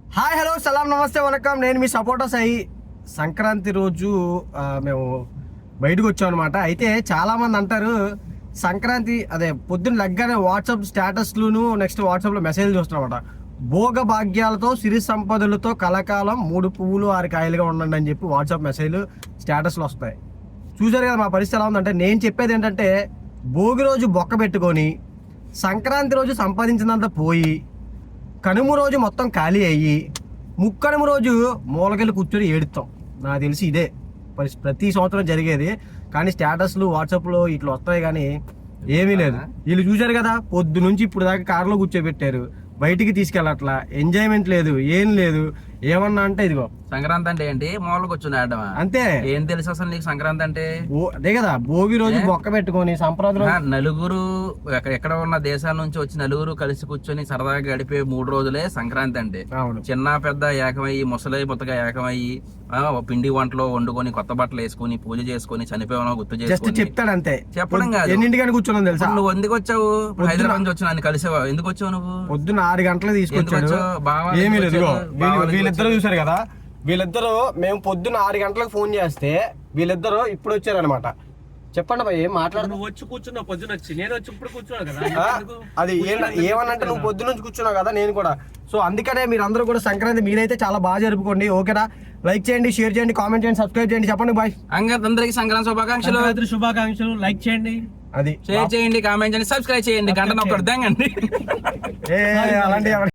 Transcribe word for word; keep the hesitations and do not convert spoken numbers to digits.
Hi hello సలాం నమస్తే వనకం. నేను మీ సపోటా సాయి. సంక్రాంతి రోజు ఆ, మేము బయటకు వచ్చాం అనమాట. అయితే చాలామంది అంటారు సంక్రాంతి అదే పొద్దున్న లగ్గానే వాట్సాప్ స్టేటస్లును నెక్స్ట్ వాట్సాప్లో మెసేజ్లు చూస్తున్నామట. భోగ భాగ్యాలతో సిరి సంపదలతో కలకాలం మూడు పువ్వులు ఆరు కాయలుగా ఉండండి అని చెప్పి వాట్సాప్ మెసేజ్లు స్టేటస్లు వస్తాయి. చూసారు కదా మా పరిస్థితి ఎలా ఉందంటే, నేను చెప్పేది ఏంటంటే భోగి రోజు బొక్క పెట్టుకొని సంక్రాంతి రోజు సంపాదించినంత పోయి కనుమ రోజు మొత్తం ఖాళీ అయ్యి ముక్కనుమ రోజు మూలకెళ్ళి కూర్చొని ఏడుస్తాం. నాకు తెలిసి ఇదే పరిస్థితి ప్రతి సంవత్సరం జరిగేది. కానీ స్టేటస్లు వాట్సాప్లో ఇట్లా వస్తాయి కానీ ఏమీ లేదు. వీళ్ళు చూశారు కదా పొద్దు నుంచి ఇప్పుడు దాకా కారులో కూర్చోబెట్టారు, బయటికి తీసుకెళ్ళట్లా, ఎంజాయ్మెంట్ లేదు, ఏం లేదు. ఏమన్నా అంటే ఇదిగో సంక్రాంతి అంటే ఏంటి, మూల కూర్చొని ఆడమా అంతే. ఏం తెలుసు అసలు నీకు సంక్రాంతి అంటే? అదే కదా భోగి రోజు బొక్క పెట్టుకొని సంప్రదాయం నలుగురు ఎక్కడ ఉన్న దేశాల నుంచి వచ్చి నలుగురు కలిసి కూర్చొని సరదాగా గడిపే మూడు రోజులే సంక్రాంతి అంటే. చిన్న పెద్ద ఏకమయ్యి ముసలి ముత్తగా ఏకమయ్యి పిండి వంటలో వండుకొని కొత్త బట్టలు వేసుకొని పూజ చేసుకొని చనిపోయానో గుర్తు చేసుకొని చెప్తాడు అంతే. చెప్పడం కాదు. ఎన్నింటికని కూర్చున్నాను తెలుసా? నువ్వు ఎందుకు వచ్చావు? హైదరాబాద్ నుంచి వచ్చి నన్ను కలిసేవా? ఎందుకు వచ్చావు నువ్వు? పొద్దున్న ఆరు గంటలకు తీసుకొచ్చాడు. ఏమీ లేదు. వీళ్ళిద్దరు చూసారు కదా, వీళ్ళిద్దరు మేము పొద్దున్న ఆరు గంటలకు ఫోన్ చేస్తే వీళ్ళిద్దరు ఇప్పుడు వచ్చారనమాట. చెప్పండి భయ్, ఏం మాట్లాడు. వచ్చి కూర్చున్నావు పొద్దున వచ్చి, నేను వచ్చి ఇప్పుడు కూర్చున్నాను కదా. అది ఏమనంటే నువ్వు పొద్దున నుంచి కూర్చున్నావు కదా, నేను కూడా. సో అందుకనే మీరు అందరూ కూడా సంక్రాంతి మీరైతే చాలా బాగా జరుపుకోండి. ఓకేనా? లైక్ చేయండి, షేర్ చేయండి, కామెంట్ చేయండి, సబ్స్క్రైబ్ చేయండి. చెప్పండి బాయ్. అందరికి సంక్రాంతి శుభాకాంక్షలు. శుభాకాంక్షలు. లైక్ చేయండి, అది షేర్ చేయండి, కామెంట్ చేయండి, సబ్స్క్రైబ్ చేయండి, గంట నొక్కడు దంగండి. అలాంటి